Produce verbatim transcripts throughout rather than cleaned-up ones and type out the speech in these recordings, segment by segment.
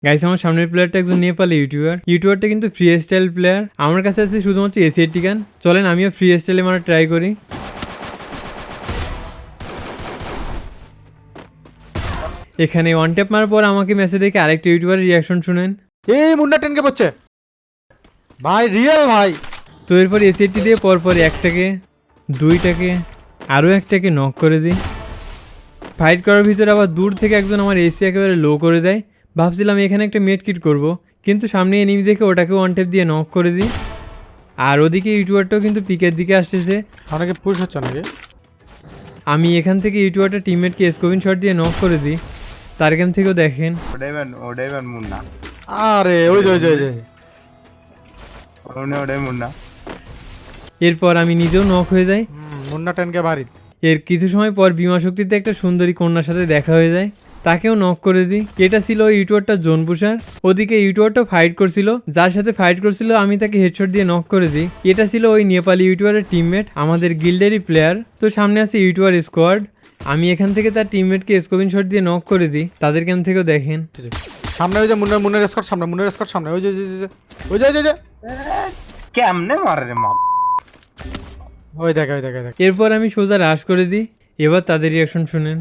Guys আমার সামনের প্লেয়ারটা একজন নেপালি ইউটিউবার ইউটিউবারটা কিন্তু ফ্রি স্টাইল প্লেয়ার। আমার কাছে আছে শুধুমাত্র এসিএটি গান। চলেন আমিও ফ্রি স্টাইলে মারা ট্রাই করি। এখানে ওয়ান ট্যাপ মারার পর আমাকে মেসেজ দেখে আরেকটা ইউটিউবারের রিয়াকশন শুনেন। এই মুন্ডা টেনকে পড়ছে ভাই, রিয়েল ভাই। তো এরপর এসিএটি দিয়ে পরপর একটাকে দুইটাকে আরও একটাকে নক করে দিই। ফাইট করার ভিতরে আবার দূর থেকে একজন আমার এসি একেবারে লো করে দেয়। ভাবছিলাম এখানে একটা মেড কিট করবো, কিন্তু সামনে এনিমি দেখে ওটাকে ওয়ান ট্যাপ দিয়ে নক করে দিই। আর ওদিকে ইউটিউবারটাও কিন্তু পিকের দিকে আসতেছে। অনেকে পুশ হচ্ছে নাকি? আমি এখান থেকে ইউটিউবারটা টিমমেটকে স্কোপিং শট দিয়ে নক করে দিই। তার গেম থেকেও দেখেন। ওডাইভান ওডাইভান মুন্না আরে ওই যে ওই যে ওই যে ওনে ওডাই মুন্না। এরপর আমি নিজেও নক হয়ে যাই। হুম, মুন্ডা টেনকে বাড়ি। এর কিছু সময় পর বিমা শক্তিতে একটা সুন্দরী কন্যার সাথে দেখা হয়ে যায়, তাকেও নক করে দিই। এটা ছিল ওই ইউটিউবারটা জোন পুষার। ওদিকে ইউটিউবারটা ফাইট করছিল, যার সাথে ফাইট করছিল আমি তাকে হেডশট দিয়ে নক করে দিই। এটা ছিল ওই নেপালি ইউটিউবারের টিমমেট, আমাদের গিল্ডেরই প্লেয়ার। তো সামনে আছে ইউটিউবার স্কোয়াড। আমি এখান থেকে তার টিমমেটকে স্কোপিং শট দিয়ে নক করে দিই। তাদের গেম থেকেও দেখেন। সামনে ওই যে মুন্নার মুন্নার স্কট সামনে, মুন্নার স্কট সামনে, ওই যে ওই যে ওই যে ওই যে ওই যে কেমনে মারে রে মা? ওই দেখে ওই দেখে দেখ। এরপর আমি সোজা রাশ করে দিই। এবার তাদের রিয়াকশন শুনেন।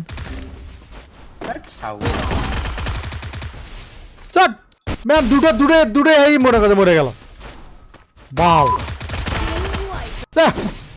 চট ম্যাম, দুটো দূরে দূরে এই মরে গেল মরে গেল। বাও